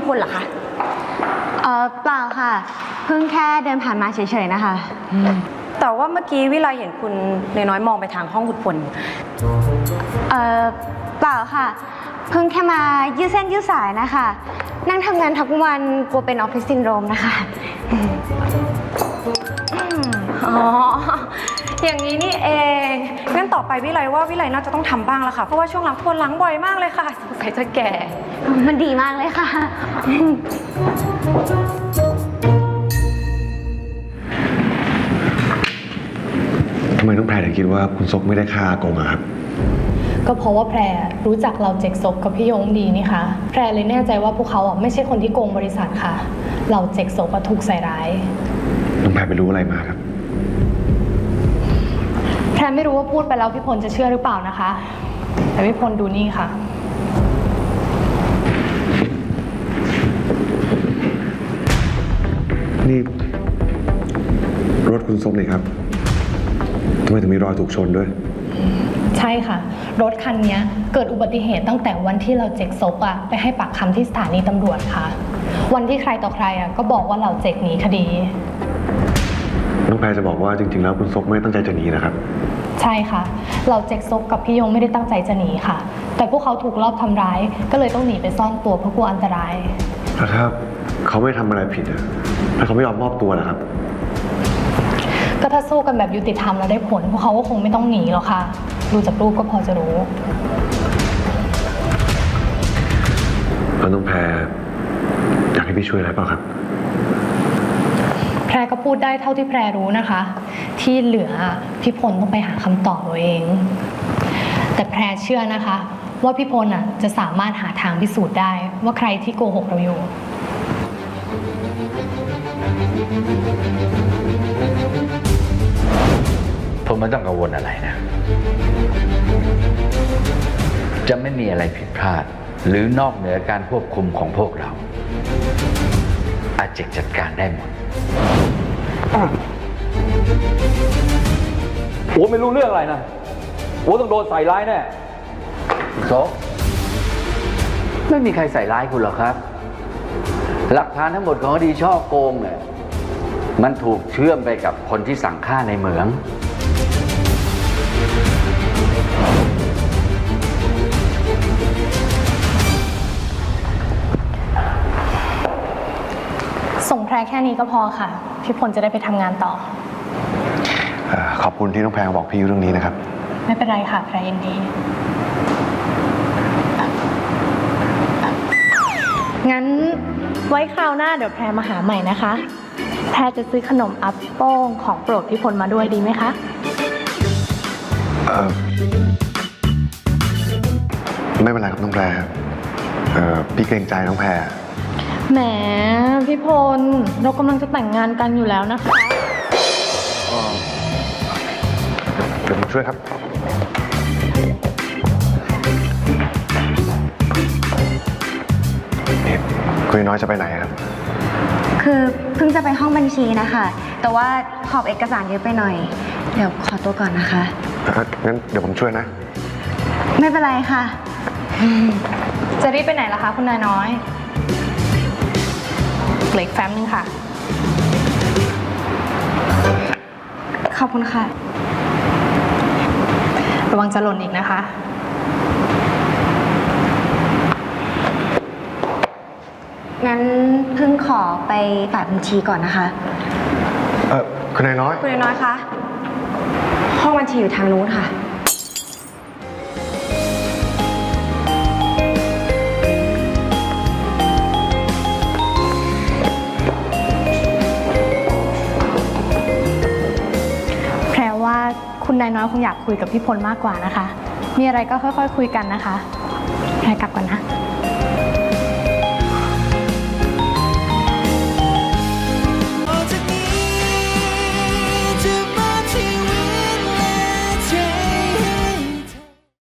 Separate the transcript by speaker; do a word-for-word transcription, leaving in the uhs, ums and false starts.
Speaker 1: พลเหรอคะ
Speaker 2: เออเปล่าค่ะเพิ่งแค่เดินผ่านมาเฉยๆนะคะ
Speaker 1: แต่ว่าเมื่อกี้วิไลเห็นคุณน้อยๆมองไปทางห้องคุณพล
Speaker 2: เออเปล่าค่ะเพิ่งแค่มายืดเส้นยืดสายนะคะนั่งทำงานทั้งวันกลัวเป็นออฟฟิศซินโดรมนะคะ
Speaker 1: อ๋ออย่างนี้นี่เองงั้นต่อไปวิไลว่าวิไลน่าจะต้องทำบ้างแล้วค่ะเพราะว่าช่วงหลังปวดหลังบ่อยมากเลยค่ะสงสัยจะแก่
Speaker 2: มันดีมากเลยค่ะ
Speaker 3: ทำไมต้องแพรถึงคิดว่าคุณซกไม่ได้ฆ่าอากงอะครับ
Speaker 4: ก็เพราะว่าแพรรู้จักเราเจ็กซกกับพี่ยงดีนี่คะแพรเลยแน่ใจว่าพวกเขาอ่ะไม่ใช่คนที่โกงบริษัทค่ะเราเจ็กซกก็ถูกใส่ร้าย
Speaker 3: น้องแพรไปรู้อะไรมาครับ
Speaker 4: แพรไม่รู้ว่าพูดไปแล้วพี่พลจะเชื่อหรือเปล่านะคะแต่พี่พลดูนี่ค่ะ
Speaker 3: นี่รถคุณซกนี่ครับทำไมถึงมีรอยถูกชนด้วย
Speaker 4: ใช่ค่ะรถคันนี้เกิดอุบัติเหตุตั้งแต่วันที่เราเจ็กซกอะไปให้ปากคำที่สถานีตำรวจค่ะวันที่ใครต่อใครอะก็บอกว่าเราเจ็กหนีคดี
Speaker 3: น้องแพรจะบอกว่าจริงๆแล้วคุณซกไม่ตั้งใจจะหนีนะครับ
Speaker 4: ใช่ค่ะเราเจ็กซกกับพี่ยงไม่ได้ตั้งใจจะหนีค่ะแต่พวกเขาถูกลอบทำร้ายก็เลยต้องหนีไปซ่อนตัวเพราะกลัวอันตราย
Speaker 3: ถ้าเขาไม่ทำอะไรผิดอะถ้าเขาไม่ยอมมอบตัวนะครับ
Speaker 4: ก็ถ้าสู้กันแบบยุติธรรมแล้วได้ผลพวกเขาก็คงไม่ต้องหนีหรอกค่ะดูจากรูปก็พอจะรู้
Speaker 3: แล้วน้องแพรอยากให้พี่ช่วยอะไรเปล่าครับ
Speaker 4: แพรก็พูดได้เท่าที่แพรรู้นะคะที่เหลือพี่พลต้องไปหาคำตอบตัวเองแต่แพรเชื่อนะคะว่าพี่พลอ่ะจะสามารถหาทางพิสูจน์ได้ว่าใครที่โกหกเราอยู่
Speaker 5: ผมไม่ต้องกังวลอะไรนะจะไม่มีอะไรผิดพลาดหรือนอกเหนือการควบคุมของพวกเราอาเจกจัดการได้หมด
Speaker 6: โอ้ไม่รู้เรื่องอะไรนะโอ้ต้องโดนใส่ร้ายแน่
Speaker 5: โซไม่มีใครใส่ร้ายคุณหรอกครับหลักฐานทั้งหมดของคดีช่อโกงเนี่ยมันถูกเชื่อมไปกับคนที่สั่งฆ่าในเหมือง
Speaker 4: ส่งแพรแค่นี้ก็พอค่ะพี่พลจะได้ไปทำงานต่อ
Speaker 3: ขอบคุณที่น้องแพรบอกพี่เรื่องนี้นะครับ
Speaker 4: ไม่เป็นไรค่ะแพรยินดีงั้นไว้คราวหน้าเดี๋ยวแพรมาหาใหม่นะคะแพรจะซื้อขนมอัปโป้งของโปรดพี่พลมาด้วยดีไหมคะ
Speaker 3: เออไม่เป็นไรครับน้องแพรเออพี่เกรงใจน้องแพร
Speaker 4: แหมพี่พลเรากำลังจะแต่งงานกันอยู่แล้วนะคะ
Speaker 3: เดี๋ยวผมช่วยครับนี่คุณน้อยจะไปไหนครับ
Speaker 2: คือเพิ่งจะไปห้องบัญชีนะคะแต่ว่าหอบเอกสารเยอะไปหน่อยเดี๋ยวขอตัวก่อนนะคะ
Speaker 3: งั้นเดี๋ยวผมช่วยนะ
Speaker 2: ไม่เป็นไรค่ะ
Speaker 4: จะรีบไปไหนล่ะคะคุณนายน้อยเหลืออีกแฟ้มนึงค่ะ
Speaker 2: ขอบคุณค่ะ
Speaker 4: ระวังจะหล่นอีกนะคะ
Speaker 2: งั้นเพิ่งขอไปฝ่ายบัญชีก่อนนะคะ
Speaker 3: เออคุณนายน้อย
Speaker 1: คุณนายน้อยคะห้องบัญชีอยู่ทางนู้นค่ะ
Speaker 4: คุณนายน้อยคงอยากคุยกับพี่พลมากกว่านะคะมีอะไรก็ค่อยๆคุยกันนะคะแพรกลับก่อนนะ